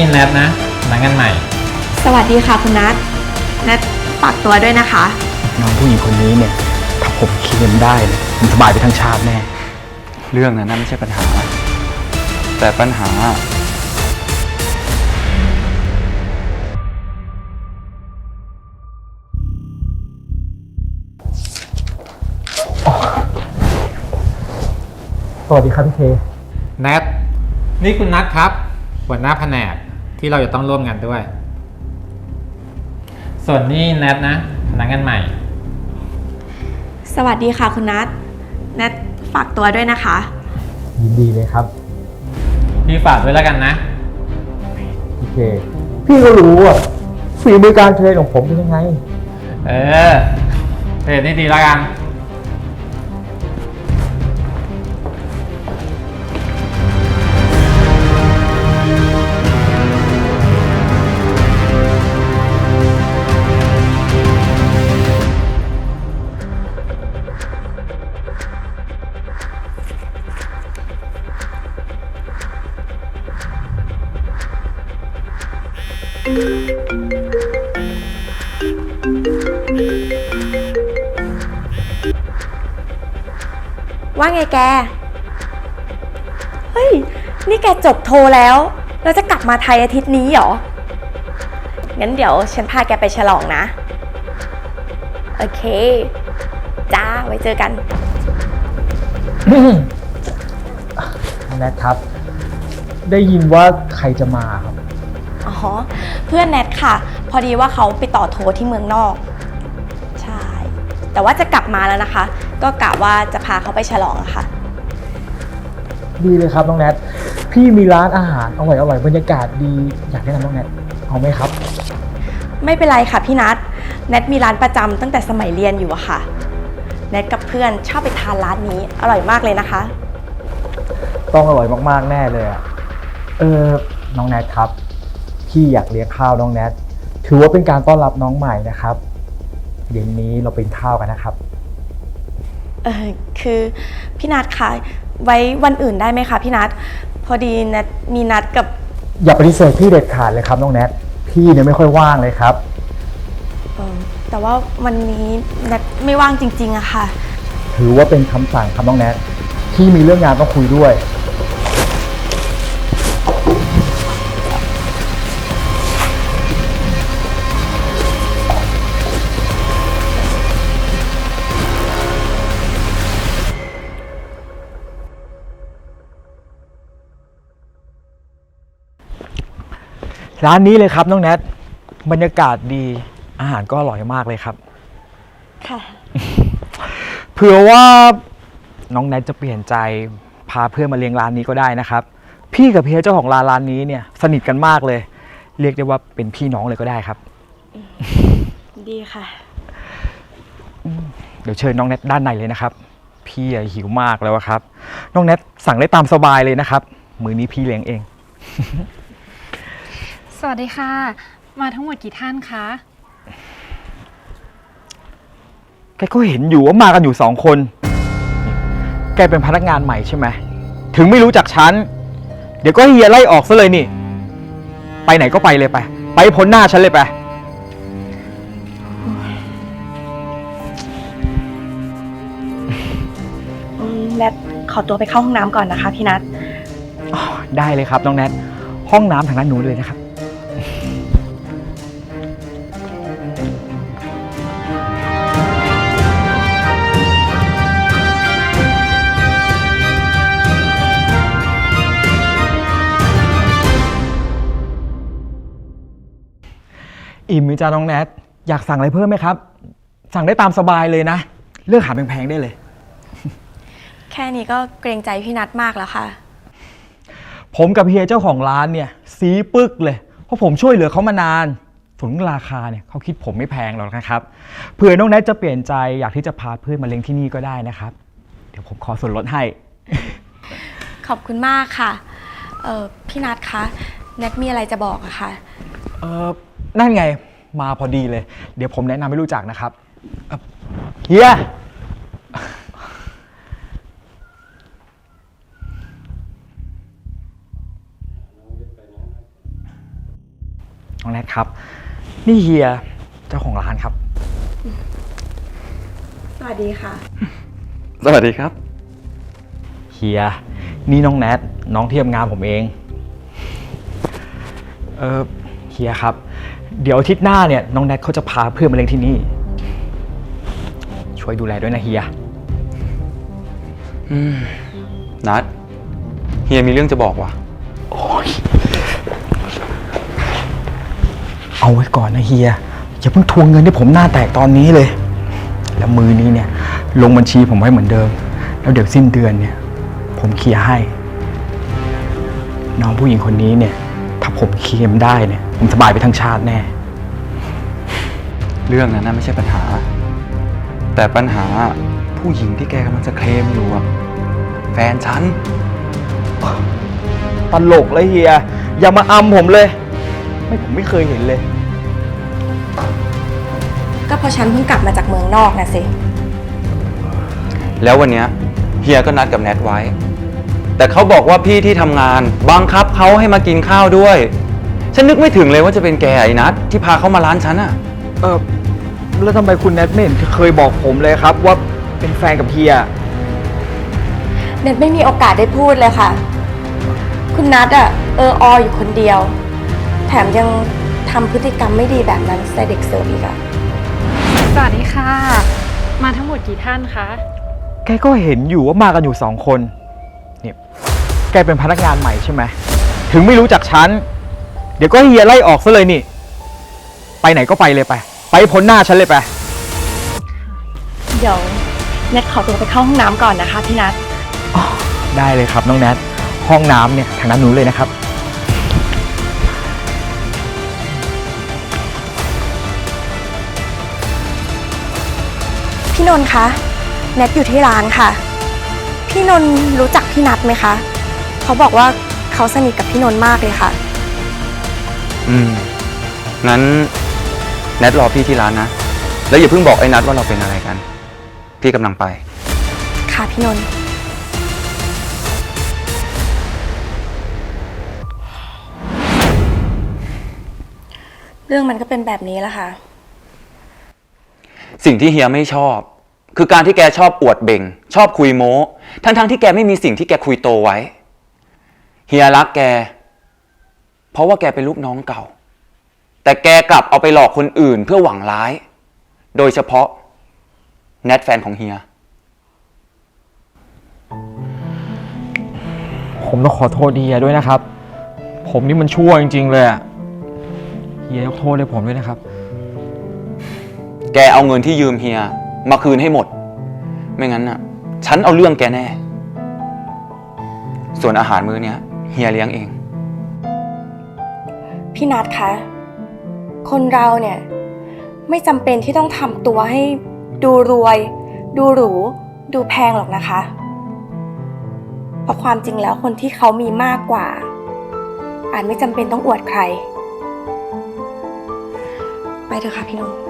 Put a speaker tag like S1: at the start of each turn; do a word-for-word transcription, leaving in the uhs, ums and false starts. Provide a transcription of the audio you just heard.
S1: แนทนะพนักงานใหม่
S2: สวัสดีค่ะคุณนัทแนทฝากตัวด้วยนะคะ
S3: น้องผู้หญิงคนนี้เนี่ยถ้าผมเคลมได้เลยผมสบายไปทั้งชาติแน่
S4: เรื่องนั้นไม่ใช่ปัญหาแต่ปัญหา
S3: สวัสดีครับพี่เค
S1: แนทนี่คุณนัทครับหัวหน้าแผนกที่เราจะต้องร่วมงานด้วยส่วนนี่แนทนะพนักงานใหม่
S2: สวัสดีค่ะคุณนัทแนทฝากตัวด้วยนะคะ
S3: ยินดีเลยครับ
S1: พี่ฝากด้วยแล้วกันนะ
S3: พี่เคพี่ก็รู้อ่ะฝีมือการเทรนของผมเป็นยังไง
S1: เออเทรนนี่ดีแล้วกัน
S2: ว่าไงแกเฮ้ยนี่แกจบโทแล้วเราจะกลับมาไทยอาทิตย์นี้เหรองั้นเดี๋ยวฉันพาแกไปฉลองนะโอเคจ้าไว้เจอกัน
S3: แนทครับได้ยินว่าใครจะมาครับ
S2: อ๋อเพื่อนแนทค่ะพอดีว่าเขาไปต่อโทที่เมืองนอกใช่แต่ว่าจะกลับมาแล้วนะคะก็กะว่าจะพาเขาไปฉลองอะค่ะ
S3: ดีเลยครับน้องแนทพี่มีร้านอาหารอร่อยอร่อยบรรยากาศดีอยากแนะนำน้องแนทเอาไหมครับ
S2: ไม่เป็นไรค่ะพี่นัทแนทมีร้านประจำตั้งแต่สมัยเรียนอยู่อะค่ะแนทกับเพื่อนชอบไปทานร้านนี้อร่อยมากเลยนะคะ
S3: ต้องอร่อยมากๆแน่เลยอะเออน้องแนทครับพี่อยากเลี้ยงข้าวน้องแนทถือว่าเป็นการต้อนรับน้องใหม่นะครับเย็นนี้เราเป็นข้าวกันนะครับ
S2: เออคือพี่นัทคะไว้วันอื่นได้ไหมคะพี่นัทพอดีแนทมีนัดกับ
S3: อย่าปฏิเสธพี่เด็ดขาดเลยครับน้องแนทพี่เนี่ยไม่ค่อยว่างเลยครับ
S2: เออแต่ว่าวันนี้แนทไม่ว่างจริงๆอะค่ะ
S3: ถือว่าเป็นคำสั่งครับน้องแนทพี่มีเรื่องงานต้องคุยด้วยร้านนี้เลยครับน้องแนทบรรยากาศดีอาหารก็อร่อยมากเลยครับ
S2: ค่ะ
S3: เผื่อว่าน้องแนทจะเปลี่ยนใจพาเพื่อนมาเลี้ยงร้านนี้ก็ได้นะครับพี่กับเพียเจ้าของร้านร้านนี้เนี่ยสนิทกันมากเลยเรียกได้ว่าเป็นพี่น้องเลยก็ได้ครับ
S2: ดีค่ะ
S3: เดี๋ยวเชิญน้องแนทด้านในเลยนะครับพี่หิวมากแล้วครับน้องแนทสั่งได้ตามสบายเลยนะครับมื้อนี้พี่เลี้ยงเอง
S5: สวัสดีค่ะมาทั้งหมดกี่ท่านคะ
S3: แกก็เห็นอยู่ว่ามากันอยู่สองคนแกเป็นพนักงานใหม่ใช่ไหมถึงไม่รู้จักฉันเดี๋ยวก็เฮียไล่ออกซะเลยนี่ไปไหนก็ไปเลยไปไปพ้นหน้าฉันเลยไป
S2: แนทขอตัวไปเข้าห้องน้ำก่อนนะคะพี่นัท
S3: ได้เลยครับน้องแนทห้องน้ำทางด้านนู้นเลยนะครับอิ่มไหมจ้าน้องแนทอยากสั่งอะไรเพิ่มไหมครับสั่งได้ตามสบายเลยนะเลือกหาแพงๆได้เลย
S2: แค่นี้ก็เกรงใจพี่นัทมากแล้วค่ะ
S3: ผมกับเฮียเจ้าของร้านเนี่ยซีปึกเลยเพราะผมช่วยเหลือเขามานานส่วนราคาเนี่ยเขาคิดผมไม่แพงหรอกนะครับเผื่อน้องแนทจะเปลี่ยนใจอยากที่จะพาเพื่อนมาเลี้ยงที่นี่ก็ได้นะครับเดี๋ยวผมขอส่วนลดให้
S2: ขอบคุณมากค่ะเออพี่นัทคะแนทมีอะไรจะบอกอะค่ะ
S3: เออนั่นไงมาพอดีเลยเดี๋ยวผมแนะนำให้รู้จักนะครับเฮียน้องแนทครับ นี่เฮียเจ้าของร้านครับ
S2: สวัสดีค่ะ
S4: สวัสดีครับ
S3: เฮียนี่น้องแนทน้องที่ทำงานผมเอง เออเฮียครับ เดี๋ยวอาทิตย์หน้าเนี่ยน้องแนทเขาจะพาเพื่อนมาเลี้ยงที่นี่ ช่วยดูแลด้วยนะเฮีย
S4: อืม นัดเฮียมีเรื่องจะบอกว่ะ
S3: เอาไว้ก่อนนะเฮียอย่าเพิ่งทวงเงินให้ผมหน้าแตกตอนนี้เลย แล้วมือนี้เนี่ยลงบัญชีผมไว้เหมือนเดิม แล้วเดี๋ยวสิ้นเดือนเนี่ย ผมเคลียร์ให้ น้องผู้หญิงคนนี้เนี่ย ถ้าผมเคลียร์มันได้เนี่ย ผมสบายไปทั้งชาติแน่
S4: เรื่องนั้นน่ะไม่ใช่ปัญหา แต่ปัญหาผู้หญิงที่แกกำลังจะเคลมอยู่อะแฟนฉัน
S3: ตลกเลยเฮียอย่ามาอำผมเลย ไม่ผมไม่เคยเห็นเลย
S2: ก็เพราะฉันเพิ่งกลับมาจากเมืองนอกนะสิ
S4: แล้ววันเนี้ยเฮียก็นัดกับแนทไว้ แต่เขาบอกว่าพี่ที่ทำงานบังคับเขาให้มากินข้าวด้วย ฉันนึกไม่ถึงเลยว่าจะเป็นแกไอ้นัทที่พาเขามาร้านฉันอะ
S3: เออแล้วทำไมคุณแนทไม่เห็นเคยบอกผมเลยครับ ว่าเป็นแฟนกับเฮีย
S2: เน็ตไม่มีโอกาสได้พูดเลยค่ะ คุณนัทอะเอออออยู่คนเดียว แถมยังทำพฤติกรรมไม่ดีแบบนั้นใส่เด็กเสิร์ฟอีกอะ
S5: สวัสดีค่ะ มาทั้งหมดกี่ท่านคะ
S3: แกก็เห็นอยู่ว่ามากันอยู่สองคนเนี่ยแกเป็นพนักงานใหม่ใช่ไหม ถึงไม่รู้จักฉัน เดี๋ยวก็เฮียไล่ออกซะเลยนี่ ไปไหนก็ไปเลยไป ไปพ้นหน้าฉันเลยไป
S2: เดี๋ยวเน็ตขอตัวไปเข้าห้องน้ำก่อนนะคะพี่นัท
S3: ได้เลยครับน้องแนท ห้องน้ำเนี่ยทางด้านนู้นเลยนะครับ
S2: พี่นนท์คะเน็ตอยู่ที่ร้านค่ะ พี่นนท์รู้จักพี่นัทไหมคะ เขาบอกว่าเขาสนิทกับพี่นนท์มากเลยค่ะ
S4: อืม งั้นแนทรอพี่ที่ร้านนะ แล้วอย่าเพิ่งบอกไอ้นัทว่าเราเป็นอะไรกัน พี่กำลังไป
S2: ค่ะพี่นนท์เรื่องมันก็เป็นแบบนี้แหละค่ะ
S4: สิ่งที่เฮียไม่ชอบ คือการที่แกชอบอวดเบ่ง ชอบคุยโม้ ทั้งๆที่แกไม่มีสิ่งที่แกคุยโตไว้ เฮียรักแก เพราะว่าแกเป็นลูกน้องเก่า แต่แกกลับเอาไปหลอกคนอื่นเพื่อหวังร้าย โดยเฉพาะแนทแฟนของเฮีย
S3: ผมต้องขอโทษเฮียด้วยนะครับ ผมนี่มันชั่วจริงๆเลยอะเฮียยกโทษให้ผมด้วยนะครับ
S4: แกเอาเงินที่ยืมเฮียมาคืนให้หมด ไม่งั้นน่ะ ฉันเอาเรื่องแกแน่ ส่วนอาหารมื้อเนี้ยเฮียเลี้ยงเอง
S2: พี่นัทคะ คนเราเนี่ยไม่จำเป็นที่ต้องทำตัวให้ดูรวย ดูหรู ดูแพงหรอกนะคะ เพราะความจริงแล้วคนที่เขามีมากกว่า อาจไม่จำเป็นต้องอวดใคร ไปเถอะค่ะพี่นนท์